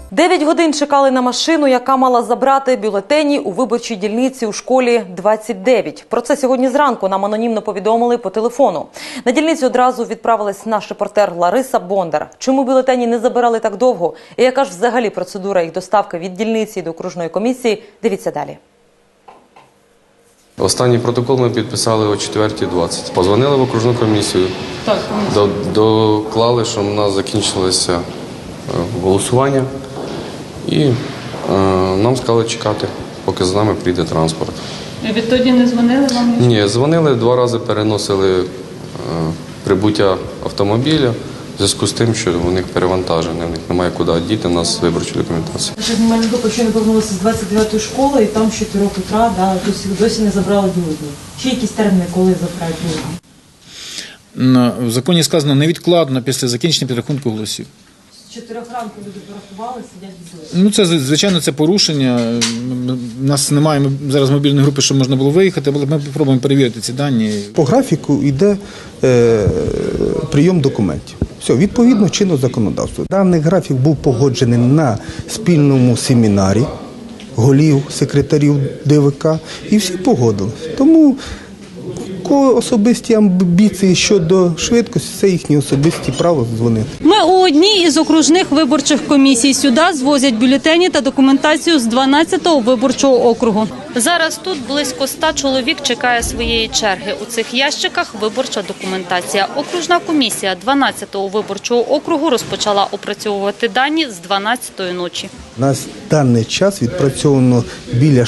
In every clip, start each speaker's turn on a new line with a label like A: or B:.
A: 9 годин чекали на машину, яка мала забрати бюлетені у виборчій дільниці у школі 29. Про це сьогодні зранку нам анонімно повідомили по телефону. На дільницю одразу відправилась наш репортер Лариса Бондар. Чому бюлетені не забирали так довго? І яка ж взагалі процедура їх доставки від дільниці до окружної комісії? Дивіться далі.
B: Останній протокол ми підписали о 4:20. Позвонили в окружну комісію, доклали, що в нас закінчилося голосування. І нам сказали чекати, поки з нами прийде транспорт.
C: І відтоді не дзвонили вам?
B: Ні, дзвонили, 2 рази переносили прибуття автомобіля в зв'язку з тим, що у них перевантаження, у них немає куди діти, у нас виборчу документацію.
D: Наша знімальна група щойно повернулася з 29-ї школи, і там з 4 утра досі не забрали бюлетні. Чи якісь терміни, коли забирають бюлетні?
E: В законі сказано невідкладно після закінчення підрахунку голосів.
D: З 4 ранку люди порахували, сидять без бюлетні.
E: Це, звичайно, це порушення. У нас немає зараз мобільної групи, щоб можна було виїхати, але ми спробуємо перевірити ці дані.
F: По графіку йде прийом документів. Все, відповідно чинного законодавства. Даний графік був погоджений на спільному семінарі голів, секретарів ДВК, і всі погодились. Тому особисті амбіції щодо швидкості – це їхні особисті право дзвонити.
C: Ми у одній із окружних виборчих комісій. Сюди звозять бюлетені та документацію з 12-го виборчого округу. Зараз тут близько 100 чоловік чекає своєї черги. У цих ящиках виборча документація. Окружна комісія 12-го виборчого округу розпочала опрацьовувати дані з 12-ї ночі.
F: У нас в даний час відпрацьовано біля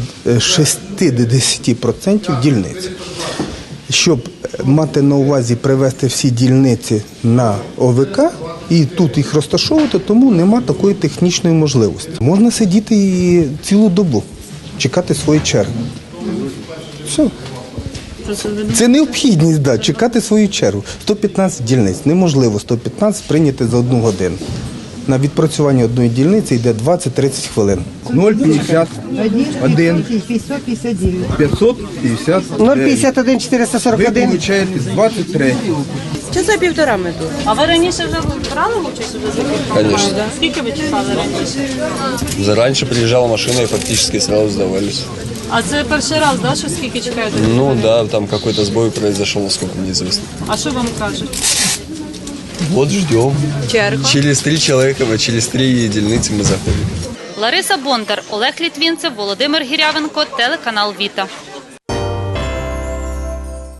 F: 60% дільниць. Щоб мати на увазі привести всі дільниці на ОВК і тут їх розташовувати, тому нема такої технічної можливості. Можна сидіти і цілу добу, чекати свої черги. Все. Це необхідність, чекати свою чергу. 115 дільниць. Неможливо 115 прийняти за 1 годину. На відпрацювання одної дільниці йде 20-30 хвилин.
G: 051 559
H: 051 441.
G: Ви получаєте з 23.
H: Часа 1,5 ми тут.
C: А ви раніше вже брали участь у закупівлі?
I: Конечно.
C: Скільки ви чекали раніше?
I: Зараньше приезжала машина и фактически сразу сдавались.
C: А це перший раз, да, що скільки чекаєте?
I: Ну да, там какой-то сбой произошел, насколько мне известно.
C: А що вам кажуть?
I: Вот ждем.
H: Черга.
I: Через 3 человека, через 3 единицы мы заходим.
C: Лариса Бондар, Олег Літвінцев, Володимир Гірявенко, телеканал Віта.